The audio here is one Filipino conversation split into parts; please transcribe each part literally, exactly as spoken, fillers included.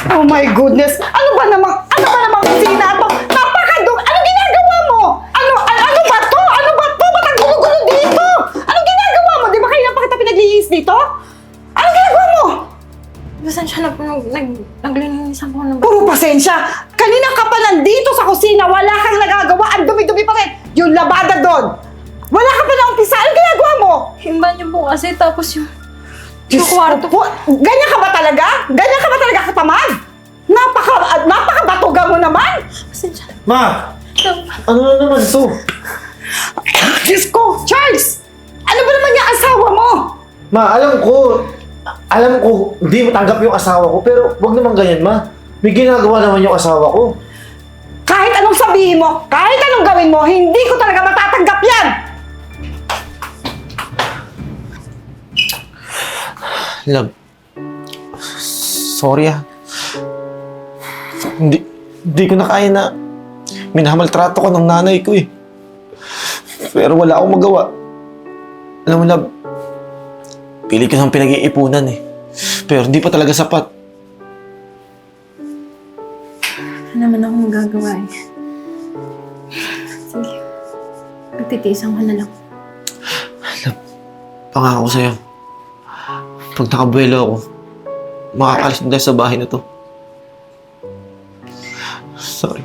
Oh my goodness! Ano ba namang, ano ba namang kusina to? Napakadug! Ano ginagawa mo? Ano, ano, ano ba to? Ano ba to? Ba't ang gulo-gulo dito? Ano ginagawa mo? Di ba kayo pa kita pinaglihis dito? Ano ginagawa mo? Pasensya na po, nag, nag, naglilinisan po ng Puro pasensya! Kanina ka pa nandito sa kusina, wala kang nagagawa, ang dumi-dumi pa rin! Yung labada doon! Wala ka pa na umpisa, ano ginagawa mo? himba niyo po kasi, tapos yung... Diyos ko kwarto. po, ganyan ka ba talaga? Ganyan ka ba talaga katamad? Napaka, uh, napakabatuga mo naman! Pasensya na. Ma! Ano na naman to? Diyos ko, Charles! Ano ba naman yung asawa mo? Ma, alam ko, alam ko, hindi matanggap yung asawa ko, pero wag naman ganyan, ma. May ginagawa naman yung asawa ko. Kahit anong sabihin mo, kahit anong gawin mo, hindi ko talaga matatanggap yan! Love, sorry ah. Hindi, hindi ko na kaya na minamaltrato ko ng nanay ko eh. Pero wala akong magawa. Alam mo, love, pili ko ng pinag-iipunan eh. Pero hindi pa talaga sapat. Ano naman ako magagawa eh. Sige. Pagtitiisan ko na lang. Love, pangako sa'yo. Pag nakabuelo ako, makakalis na tayo sa bahay na to. Sorry.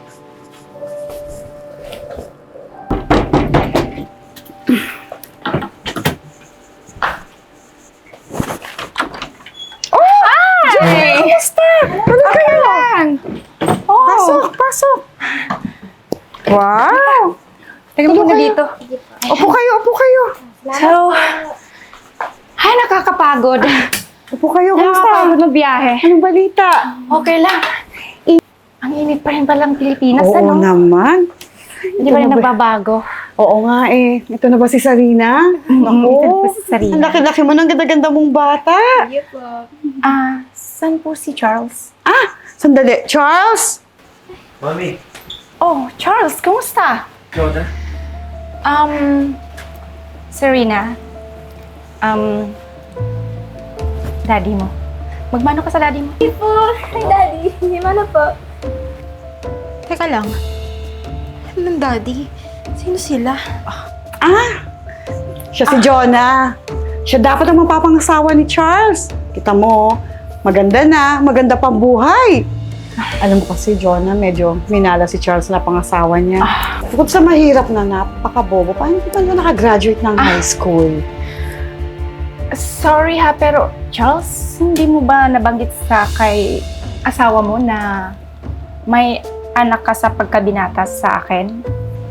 Hey! Kamusta? Ano kayo? Lang. Oh. Pasok, pasok. Wow! Teka muna dito. Upo kayo, upo kayo. So, ay, nakakapagod. Upo kayo, kamusta? Nakakapagod na biyahe. Anong balita? Okay lang. Ang init pa rin palang Pilipinas, Oo ano? naman. Hindi pa rin Ito na ba- nagbabago. Oo nga eh. Ito na ba si Sarina? Mm, ito na ba si Sarina? Ang laki-laki mo ng ganda-ganda mong bata. Ah, saan po si Charles? Ah, sandali. Charles? Mami. Oh, Charles, kumusta? Ikaw na? Um, Serena, um, daddy mo. Magmano ka sa daddy mo? Hi po! Hi, Daddy! Hindi mo na po. Teka lang. Anong daddy? Sino sila? Ah, siya si Jonah. Siya dapat ang mapapangasawa ni Charles. Kita mo, maganda na, maganda pang buhay. Alam mo kasi, Jonah, medyo minala si Charles na pangasawa niya. Bukod sa mahirap na napakabobo, paano hindi pa na nakagraduate ng high school? Sorry ha, pero Charles, hindi mo ba nabanggit sa kay asawa mo na may anak ka sa pagkabinata sa akin?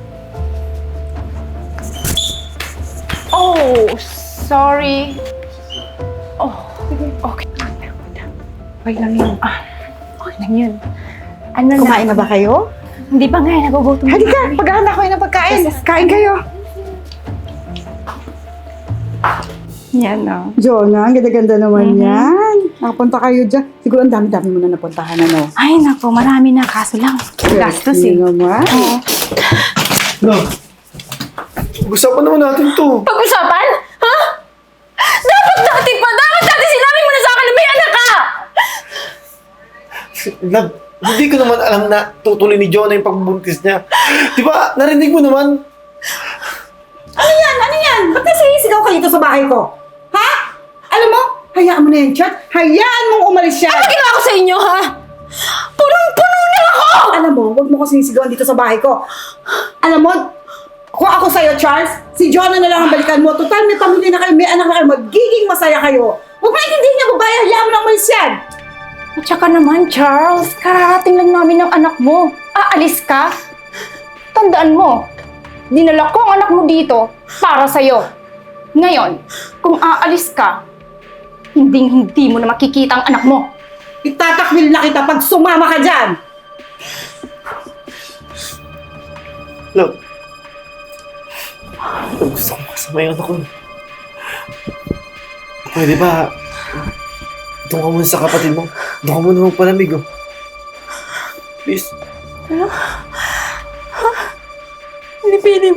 Oh, sorry. Oh, okay. Okay lang yun. Ah, okay lang yun. Ano na? Kumain na ba kayo? Hindi pa nga, eh, nagugutom. Halika, paghahanda ko yun ng pagkain. Kain kayo. Yan, no? Jonah, ang ganda-ganda naman Mhm. yan. Nakapunta kayo dyan. Siguro ang dami-dami mo na napuntahan, ano? Ay, nako, marami na. Kaso lang, gastos eh. Yun naman. Oo. Love, pag-usapan naman natin to. Pag-usapan? Ha? Dapat dati pa! Dapat dati sinabi mo na sa akin na may anak ka! Love, hindi ko naman alam na tutuloy ni Jonah yung pagbubuntis niya. Di ba, narinig mo naman? Ano yan? Ano yan? Ba't nasisigaw ka dito sa bahay ko? Ha? Alam mo, hayaan mo na yan, Chat. Hayaan mong umalis siya. Ano ginawa ko sa inyo, ha? Punong-puno na ako! Alam mo, huwag mo kasi sinisigawan dito sa bahay ko. Alam mo, kung ako sa'yo, Charles, si Jonah na lang ang balikan mo. Total, may pamilya na kayo, may anak na kayo, magiging masaya kayo. Huwag mo naintindihin niya, babae, hayaan mo na umalis yan. At saka naman, Charles, kararating lang namin ng anak mo. Aalis ka? Tandaan mo, dinala ko ang anak mo dito para sa'yo. Ngayon, kung aalis ka, hindi-hindi mo na makikita ang anak mo. Itatakwil na kita pag sumama ka dyan. Love, Love, gusto ko makasama yung anak ko. Pwede ba, doon ka muna sa kapatid mo. Doon ka muna magpalamig, oh. Please. Hindi pwede.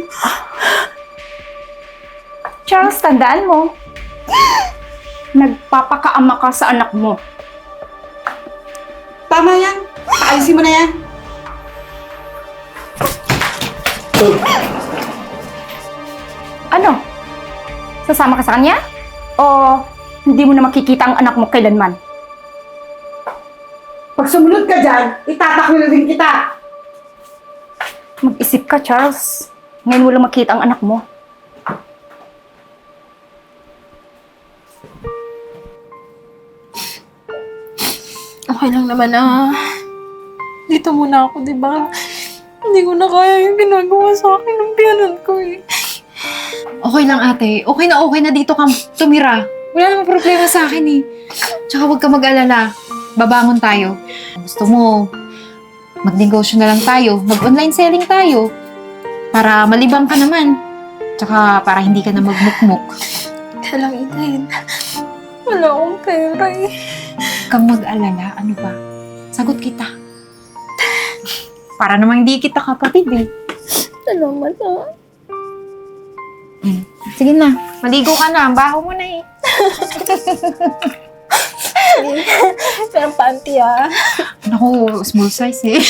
Charles, tandaan mo. Nagpapakaama ka sa anak mo. Tama tama yan. Paalisin mo na yan. Ano? Sasama ka sa kanya? O hindi mo na makikita ang anak mo kailanman? Pag sumunod ka dyan, itataklo na din kita. Mag-isip ka, Charles. Ngayon mo lang makita ang anak mo. Okay lang naman ah. Dito muna ako, di ba? Hindi ko na kaya yung ginagawa sa akin ng biyanan ko eh. Okay lang ate. Okay na okay na dito ka tumira. Wala namang problema sa akin eh. Tsaka huwag ka mag-alala. Babangon tayo. Kung gusto mo, magnegosyo na lang tayo. Mag-online selling tayo. Para malibang ka naman. Tsaka para hindi ka na magmukmuk. Kaya lang, Eden. Wala akong pera eh. Huwag kang mag-alala. Ano ba? Sagot kita. Para namang hindi kita kapatid eh. Salamat ah. Hmm. Sige na. Maligo ka na. Ang baho mo na eh. Pero panty ah. Naku, small size eh.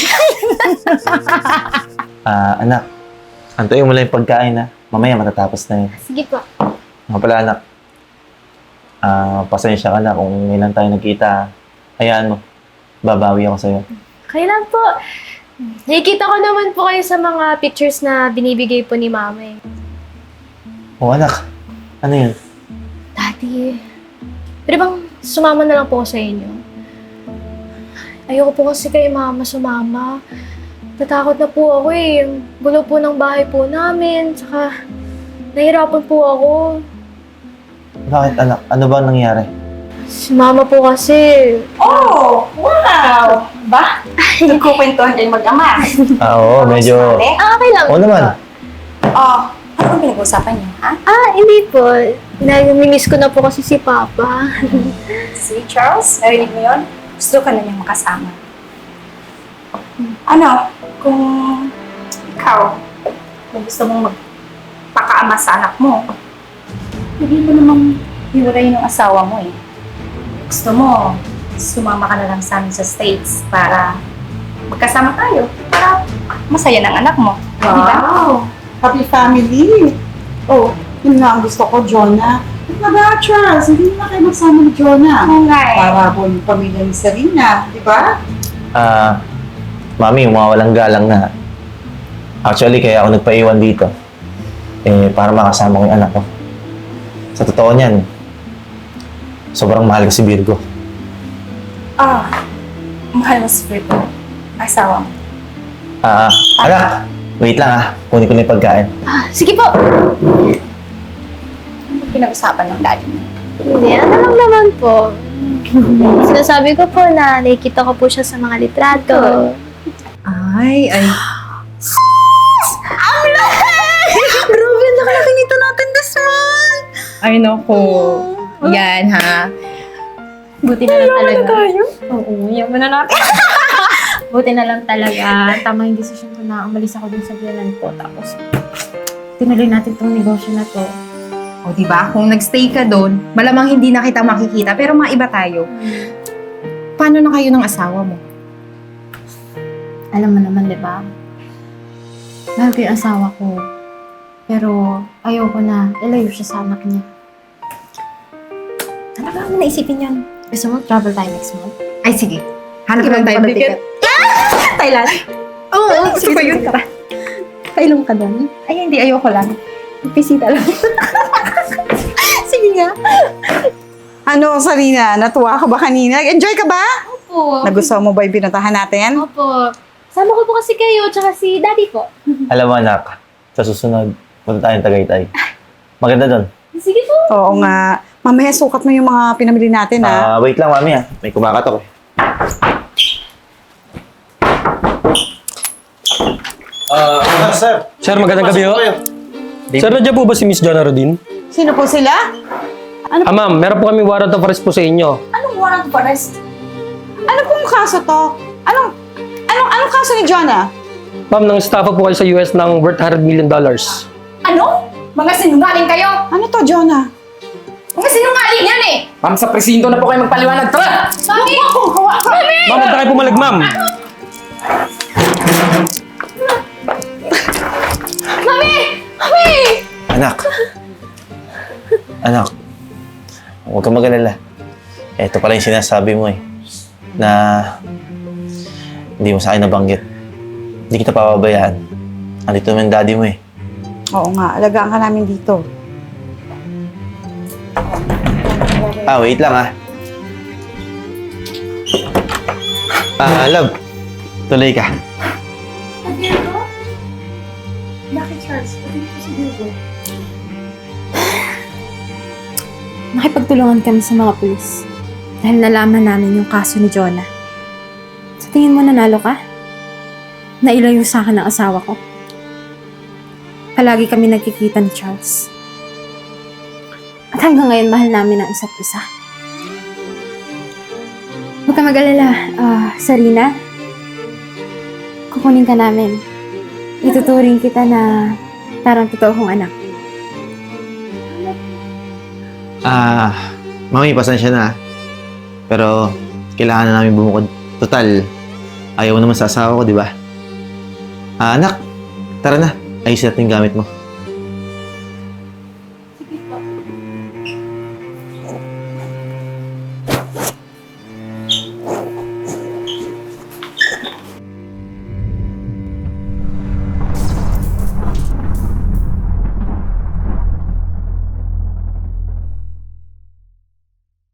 Ah, anak. Antuin mo lang yung pagkain ha. Mamaya matatapos na yun. Sige po. Nga pala anak. Ah, pasensya ka na kung ilan tayo nagkita. Hayaan mo. Babawi ako sa'yo. Kaya lang po. Nakikita ko naman po kayo sa mga pictures na binibigay po ni Mama eh. Oh anak. Ano yun? Daddy, pwede bang sumama na lang po ako sa inyo? Ayoko po kasi kay Mama sumama. Natakot na po ako eh. Ang gulo po ng bahay po namin. Tsaka, nahirapan po ako. Bakit anak? Ano ba ang nangyari? Si Mama po kasi, Oh! Wow! Ba? Nagkukwentuhan kayo mag-ama. Ah, oo. Medyo... ah, okay lang. Oo naman. Oh, ano bang pinag-uusapan niyo, ha? Ah, hindi po. Nami-miss ko na po kasi si Papa. Si Charles, narinig mo yun? Gusto ka na niyang makasama. Ano, kung ikaw, kung gusto mong magpakaama sa anak mo, hindi mo namang hiwalayin yung asawa mo eh. Gusto mo, sumama ka na lang sa amin sa States para magkasama tayo, para masaya ng anak mo. Di ba? Wow! Happy family! Oh, yun nga ang gusto ko, Jonah. Naga, Charles, hindi na kayo magsama ni Jonah. Oo nga eh. Para po yung pamilya ni Serena, di ba? Ah, mami, umawalang galang na. Actually, kaya ako nagpaiwan dito. Eh, para makasama ko yung anak ko. Sa totoo niyan, sobrang mahal ko si Virgo. Ah, mahal mo si Virgo, asawa mo. Ah, anak, wait lang ah. Kunin ko na yung pagkain. Ah, sige po. Ano pinag-usapan ng daddy mo? Hindi, ano lang naman po. Sinasabi ko po na nakikita ko po siya sa mga litrato. Ay, ay. Grabe, nakalaki nito natin this month! Ay, naku. Yan, ha? Buti na lang talaga. tayo? Oo, yaman na natin. Buti na lang talaga. Tama yung desisyon ko na umalis ako dun sa biyanan ko. Tapos, tinuloy natin tong negosyo na to. O, di ba? Kung nagstay ka doon, malamang hindi na kita makikita, pero maiba tayo. Paano na kayo ng asawa mo? Alam mo naman, di ba? Mahal ko yung asawa ko. Pero ayoko na ilayo siya sa anak niya. Talaga mo naisipin yan. Gusto mo, travel tayo next month? Ay, sige. Hanap lang tayo ng ticket. Thailand? Oo, oh, sige, pa yun. Tara. Kailan ka doon? Ay, hindi. Ayoko lang. Pisita lang. sige nga. Ano, Serena, natuwa ka ba kanina? Enjoy ka ba? Opo. Nagustuhan mo ba yung binuntahan natin? Opo. Sama ko po kasi kayo, tsaka si Daddy po. Alam mo anak, sa susunod, punta tayong Tagaytay. Maganda doon. Sige po. Oo nga. Mamaya sukat mo yung mga pinamili natin, ha? Ah, wait lang mami ah. May kumakatok eh. Ah, sir. Sir, magandang gabi ho. Sir, nandiyan po ba si Miss Jonah Rodin? Sino po sila? Ah, ma'am, meron po kami warrant of arrest po sa inyo. Anong warrant of arrest? Ano pong kaso to? Anong, anong, anong kaso ni Jonah? Ma'am, nang estafa po kayo sa U S ng worth one hundred million dollars. Ano? Mga sinungaling kayo! Ano to, Jonah? Mga sinungaling yan eh! Ma'am, sa presinto na po kayo magpaliwanag. Tara! Mami! Ma'am, huwag na kayo bumalag, ma'am. Anak. Anak. Huwag kang mag-alala. Ito pala yung sinasabi mo eh. Na hindi mo sa akin nabanggit. Hindi kita papabayaan. Andito naman yung daddy mo eh. Oo nga, alagaan ka namin dito. Ah, wait lang ah. Ah, love. Tuloy ka. Nakipagtulungan kami sa mga pulis. Dahil nalaman namin yung kaso ni Jonah. Sa tingin mo nanalo ka? Nailayo sa akin ang asawa ko. Palagi kami nagkikita ni Charles. At hanggang ngayon, mahal namin ang isa't isa. Huwag ka mag-alala, ah, Sarina. Kukunin ka namin. Ituturing kita na parang totoo kong anak. Ah, mami, pasensya na. Pero, kailangan na namin bumukod. Total, ayaw mo naman sa asawa ko, di ba? Ah, anak, tara na. Ayusin natin yung gamit mo.